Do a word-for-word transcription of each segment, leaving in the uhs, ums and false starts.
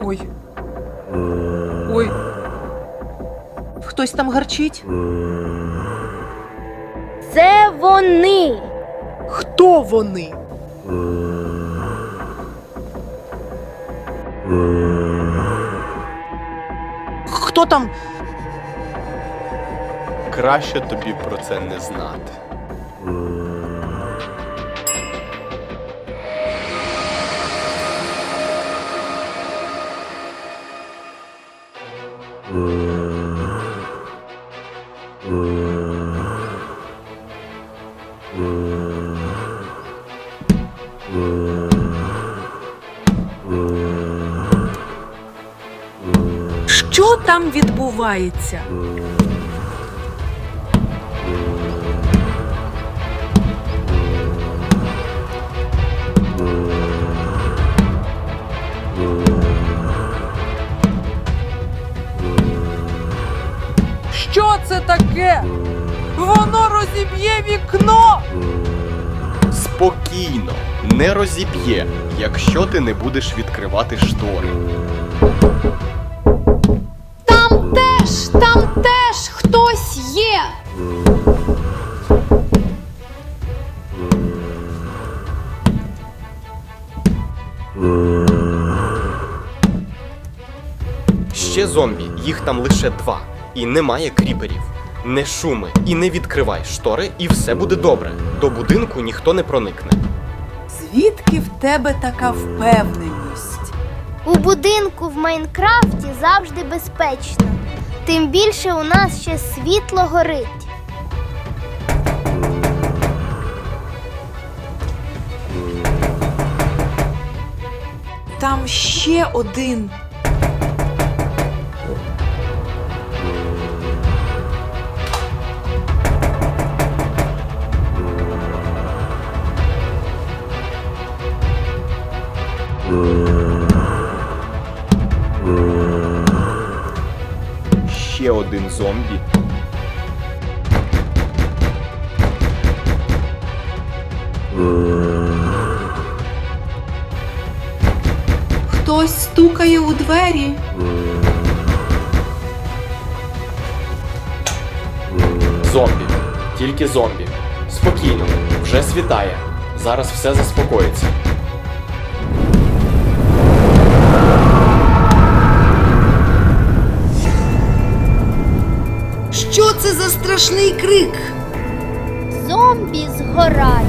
Ой. Ой. Хтось там гарчить? Це вони. Хто вони? Хто там? Краще тобі про це не знати. Що там відбувається? Що це таке? Воно розіб'є вікно! Спокійно, не розіб'є, якщо ти не будеш відкривати штори. Там теж, там теж хтось є. Ще зомбі, їх там лише два. І немає кріперів. Не шуми і не відкривай штори, і все буде добре. До будинку ніхто не проникне. Звідки в тебе така впевненість? У будинку в Майнкрафті завжди безпечно. Тим більше у нас ще світло горить. Там ще один. Ще один зомбі. Хтось стукає у двері. Зомбі. Тільки зомбі. Спокійно, вже світає. Зараз все заспокоїться. Що це за страшний крик? Зомбі згорають.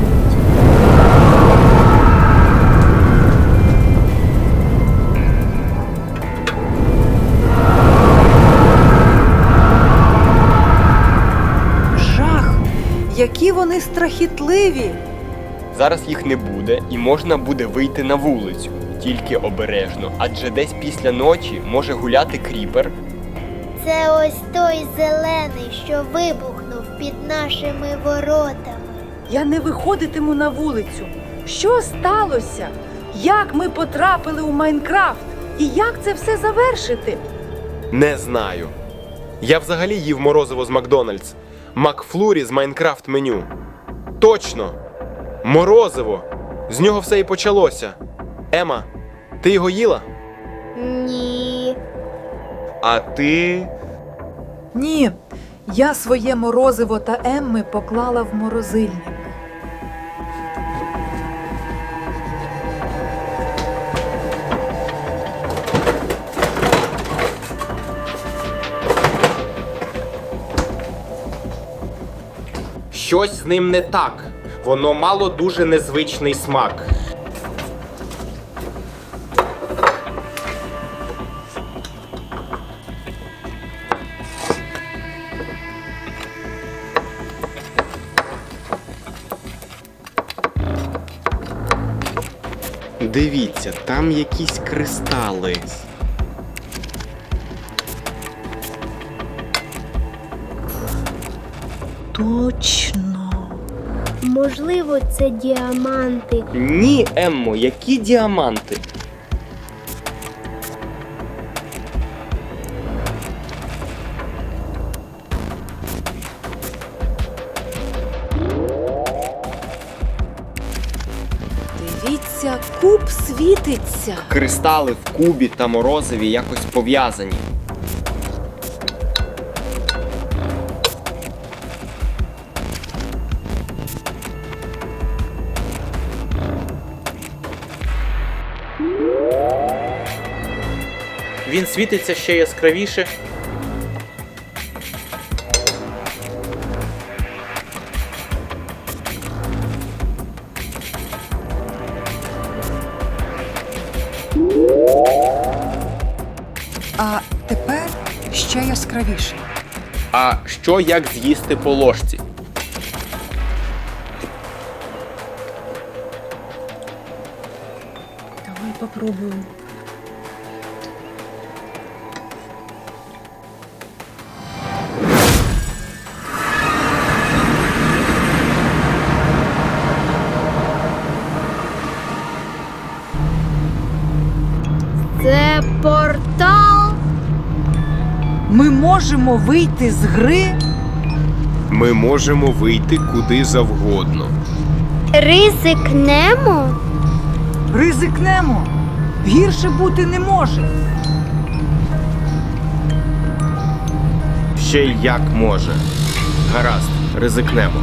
Жах! Які вони страхітливі! Зараз їх не буде і можна буде вийти на вулицю. Тільки обережно, адже десь після ночі може гуляти кріпер. Це ось той зелений, що вибухнув під нашими воротами. Я не виходитиму на вулицю. Що сталося? Як ми потрапили у Майнкрафт? І як це все завершити? Не знаю. Я взагалі їв морозиво з Макдональдс. Макфлурі з Майнкрафт меню. Точно! Морозиво! З нього все і почалося. Ема, ти його їла? Ні. А ти... Ні, я своє морозиво та Емми поклала в морозильник. Щось з ним не так. Воно мало дуже незвичний смак. Дивіться, там якісь кристали. Точно. Можливо, це діаманти. Ні, Еммо, які діаманти? Дивіться, куб світиться. Кристали в кубі та морозиві якось пов'язані. Він світиться ще яскравіше. А тепер ще яскравіше. А що як з'їсти по ложці? Давай попробуємо. Це портал. Ми можемо вийти з гри. Ми можемо вийти куди завгодно. Ризикнемо. Ризикнемо. Гірше бути не може. Ще й як може. Гаразд, ризикнемо.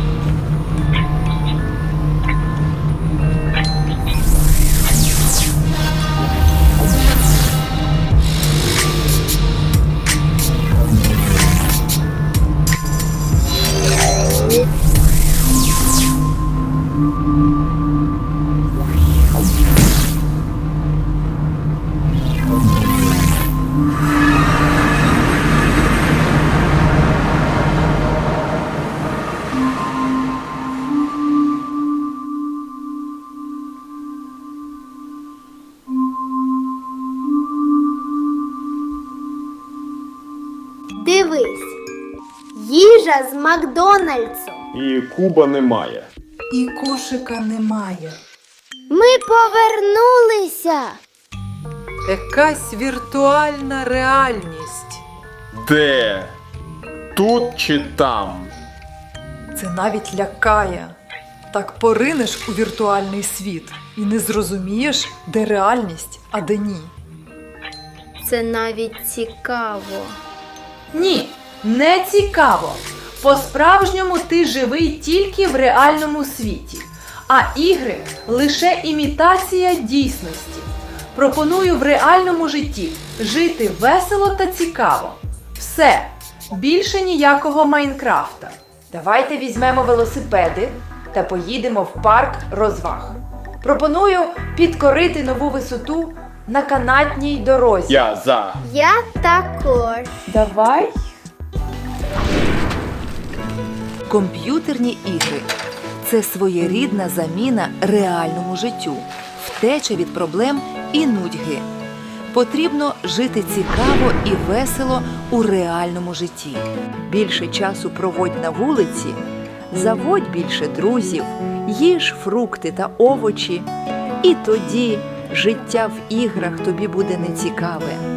Дивись. Їжа з Макдональдсу. І куба немає. І кошика немає. Ми повернулися. Якась віртуальна реальність. Де? Тут чи там? Це навіть лякає. Так поринеш у віртуальний світ і не зрозумієш, де реальність, а де ні. Це навіть цікаво. Ні, не цікаво. По-справжньому ти живий тільки в реальному світі, а ігри лише імітація дійсності. Пропоную в реальному житті жити весело та цікаво. Все, більше ніякого Майнкрафта. Давайте візьмемо велосипеди та поїдемо в парк розваг. Пропоную підкорити нову висоту на канатній дорозі. Я за. Я також. Давай. Комп'ютерні ігри – це своєрідна заміна реальному життю, втеча від проблем і нудьги. Потрібно жити цікаво і весело у реальному житті. Більше часу проводь на вулиці, заводь більше друзів, їж фрукти та овочі. І тоді життя в іграх тобі буде нецікаве.